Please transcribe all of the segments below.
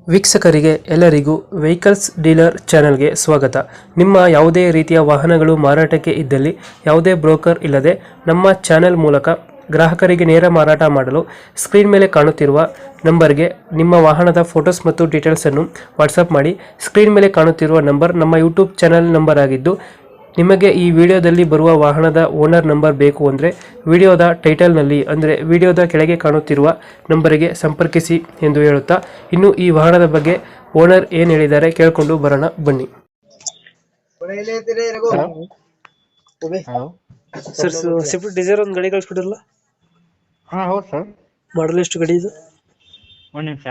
ವೀಕ್ಷಕರಿಗೆ ಎಲ್ಲರಿಗೂ vehicles dealer ಚಾನೆಲ್ಗೆ ಸ್ವಾಗತ. ನಿಮ್ಮ ಯಾವುದೇ ರೀತಿಯ ವಾಹನಗಳು ಮಾರಾಟಕ್ಕೆ ಇದ್ದಲ್ಲಿ ಯಾವುದೇ ಬ್ರೋಕರ್ ಇಲ್ಲದೆ ನಮ್ಮ ಚಾನೆಲ್ ಮೂಲಕ ಗ್ರಾಹಕರಿಗೆ ನೇರ ಮಾರಾಟ ಮಾಡಲು ಸ್ಕ್ರೀನ್ ಮೇಲೆ ಕಾಣುತ್ತಿರುವ ನಂಬರ್ಗೆ ನಿಮ್ಮ ವಾಹನದ ಫೋಟೋಸ್ ಮತ್ತು ಡೀಟೇಲ್ಸನ್ನು ವಾಟ್ಸಪ್ ಮಾಡಿ. ಸ್ಕ್ರೀನ್ ಮೇಲೆ ಕಾಣುತ್ತಿರುವ ನಂಬರ್ ನಮ್ಮ ಯೂಟ್ಯೂಬ್ ಚಾನೆಲ್ ನಂಬರ್ ಆಗಿದ್ದು, ನಿಮಗೆ ಈ ವಿಡಿಯೋದಲ್ಲಿ ಬರುವ ವಾಹನದ ಓನರ್ ನಂಬರ್ ಬೇಕು ಅಂದರೆ ವಿಡಿಯೋದ ಟೈಟಲ್ನಲ್ಲಿ ಅಂದರೆ ವಿಡಿಯೋದ ಕೆಳಗೆ ಕಾಣುತ್ತಿರುವ ನಂಬರಿಗೆ ಸಂಪರ್ಕಿಸಿ ಎಂದು ಹೇಳುತ್ತಾ, ಇನ್ನು ಈ ವಾಹನದ ಬಗ್ಗೆ ಓನರ್ ಏನು ಹೇಳಿದ್ದಾರೆ ಕೇಳಿಕೊಂಡು ಬರೋಣ ಬನ್ನಿ. ಹಲೋ. ಸರ್, ಸ್ವಿಫ್ಟ್ ಡಿಸೈರ್ ಒಂದು ಗಾಡಿ ಕಳಿಸ್ಕೊಡಿರಲ್ಲ, ಹಾಂ ಹೌದು ಸರ್. ಮಾಡಲ್ ಎಷ್ಟು ಗಾಡಿ ಇದು? ಒಂದು ನಿಮಿಷ.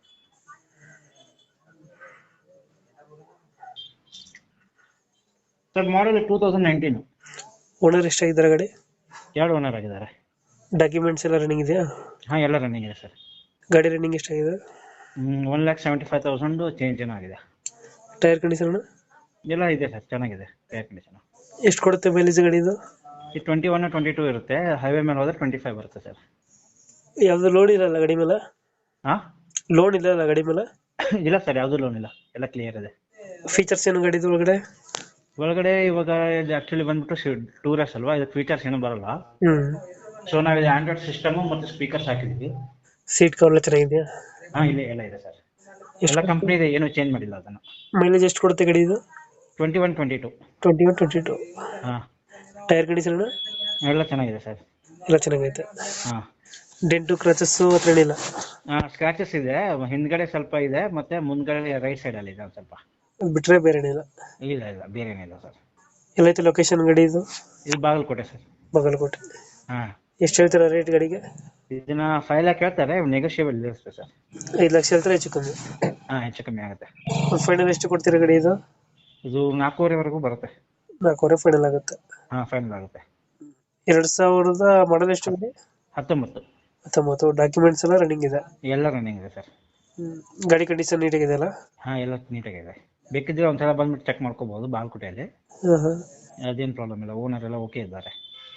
Sir model 2019. ಓನರ್ ಎಷ್ಟಾಗಿದ್ದಾರೆ ಗಾಡಿ? 2 ಓನರ್ ಆಗಿದ್ದಾರೆ. ಡಾಕ್ಯುಮೆಂಟ್ಸ್ ಎಲ್ಲ ರನ್ನಿಂಗ್ ಇದೆಯಾ? ಹಾಂ ಎಲ್ಲ ರನ್ನಿಂಗ್ ಇದೆ ಸರ್. ಗಾಡಿ ರನ್ನಿಂಗ್ ಎಷ್ಟಾಗಿದೆ? 1,75,000 ಚೇಂಜ್ ಏನೋ ಆಗಿದೆ. ಟೈರ್ ಕಂಡೀಷನ್ ಎಲ್ಲ ಇದೆ ಸರ್, ಚೆನ್ನಾಗಿದೆ ಏರ್ ಕಂಡೀಷನ್. ಎಷ್ಟು ಕೊಡುತ್ತೆ ಮೈಲೇಜ್ ಗಾಡಿ ಇದು? ಈ 21 22 ಇರುತ್ತೆ, ಹೈವೇ ಮೇಲೆ ಹೋದ್ರೆ 25 ಬರುತ್ತೆ ಸರ್. ಯಾವುದು ಲೋನ್ ಇರಲ್ಲ ಗಾಡಿ ಮೇಲೆ? ಹಾಂ ಲೋನ್ ಇಲ್ಲ ಗಾಡಿ ಮೇಲೆ? ಇಲ್ಲ ಸರ್, ಯಾವುದೂ ಲೋನ್ ಇಲ್ಲ, ಎಲ್ಲ ಕ್ಲಿಯರ್ ಇದೆ. ಫೀಚರ್ಸ್ ಏನು ಗಾಡಿದು ಒಳಗಡೆ? ಒಳಗಡೆ ಇವಾಗ ಇದು ಆ್ಯಕ್ಚುಲಿ ಬಂದ್ಬಿಟ್ಟು ಟೂರಸ್ ಅಲ್ವಾ, ಇದು ಫೀಚರ್ಸ್ ಏನೂ ಬರಲ್ಲ. ಸೊ ನಾವಿದು ಆಂಡ್ರಾಯ್ಡ್ ಸಿಸ್ಟಮು ಮತ್ತು ಸ್ಪೀಕರ್ಸ್ ಹಾಕಿದ್ದೀವಿ. ಸೀಟ್ ಕವರ್ ಎಲ್ಲ ಚೆನ್ನಾಗಿದೆಯಾ? ಹಾಂ ಇಲ್ಲ ಎಲ್ಲ ಇದೆ ಸರ್, ಎಲ್ಲ ಕಂಪ್ನಿ ಇದೆ, ಏನೂ ಚೇಂಜ್ ಮಾಡಿಲ್ಲ ಅದನ್ನು. ಮೈಲೇಜ್ ಎಷ್ಟು ಕೊಡುತ್ತೆ ಗಾಡಿ ಇದು? 21 22. 21 22. ಹಾಂ ಟೈರ್ ಕಂಡೀಷನ್ ಎಲ್ಲ ಚೆನ್ನಾಗಿದೆ ಸರ್. ಎಲ್ಲ ಚೆನ್ನಾಗೈತೆ. ಹಾಂ ಡೆಂಟು ಕ್ರಚಸ್ಸು ಹತ್ರ ಏನಿಲ್ಲ? ಸ್ಕ್ರಾಚಸ್ ಇದೆ, ಹಿಂದ್ಗಡೆ ಸ್ವಲ್ಪ ಇದೆ, ಮತ್ತೆ ಮುಂದ್ಗಡೆ ರೈಟ್ ಸೈಡಲ್ಲಿ ಇದೆ ಒಂದು ಸ್ವಲ್ಪ. ಅದು ಬಿಟ್ಟರೆ ಬೇರೆ ಏನಿಲ್ಲ? ಇಲ್ಲ ಇಲ್ಲ ಬೇರೆ ಏನಿಲ್ಲ ಸರ್. ಎಲ್ಲೈತೆ ಲೊಕೇಶನ್ ಗಾಡಿ ಇದು? ಇದು ಬಾಗಲಕೋಟೆ ಸರ್. ಬಾಗಲಕೋಟೆ. ಹಾಂ ಎಷ್ಟು ಹೇಳ್ತೀರಾ ರೇಟ್ ಗಾಡಿಗೆ? ಇದನ್ನ 5 lakhs ಹೇಳ್ತಾರೆ, ನೆಗೋಷಿಯಬಲ್ ಇರುತ್ತೆ ಸರ್. 5 ಲಕ್ಷ ಹೇಳ್ತಾರೆ, ಹೆಚ್ಚು ಕಮ್ಮಿ? ಹಾಂ ಹೆಚ್ಚು ಕಮ್ಮಿ ಆಗುತ್ತೆ. ಫೈನಲ್ ಎಷ್ಟು ಕೊಡ್ತೀರಾ ಗಾಡಿ ಇದು? ಇದು 4,500 ಬರುತ್ತೆ. 4,500 ಫೈನಲ್ ಆಗುತ್ತೆ? ಹಾಂ ಫೈನಲ್ ಆಗುತ್ತೆ. 2000 ಮಾಡಲ್ ಎಷ್ಟು ಗಾಡಿ? 19. 19. ಡಾಕ್ಯುಮೆಂಟ್ಸ್ ಎಲ್ಲ ರನ್ನಿಂಗ್ ಇದೆ? ಎಲ್ಲ ರನ್ನಿಂಗ್ ಇದೆ ಸರ್. ಗಾಡಿ ಕಂಡೀಷನ್ ನೀಟಾಗಿದೆ ಅಲ್ಲ? ಹಾಂ ಎಲ್ಲ ನೀಟಾಗಿದೆ, ಬೇಕಿದ್ರೆ ಒಂದ್ಸಲ ಬಂದ್ಬಿಟ್ಟು ಚೆಕ್ ಮಾಡ್ಕೋಬಹುದು ಬಾಗಲಕೋಟೆಯಲ್ಲಿ. ಅದೇನು ಪ್ರಾಬ್ಲಮ್ ಇಲ್ಲ, ಓನರ್ ಎಲ್ಲ ಓಕೆ ಇದ್ದಾರೆ.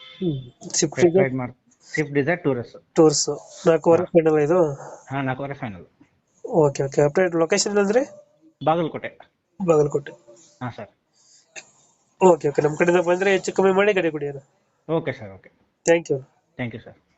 ಸ್ವಿಫ್ಟ್ ಡಿಸೈರ್ ಟೂರ್ಸ್ 4,500 ಫೈನಲ್ ಇದು? ಹಾಂ 4,500 final. Okay okay. Update location ಅಂದ್ರೆ ಬಾಗಲಕೋಟೆ. ಬಾಗಲಕೋಟೆ. ಹಾಂ ಸರ್. Okay okay. ನಮ್ಮ ಕಡೆಯಿಂದ ಬಂದರೆ ಹೆಚ್ಚು ಕಮ್ಮಿ ಮಾಡಿ ಗಾಡಿ ಕೊಡಿ. Okay sir, okay. Thank you. Thank you sir.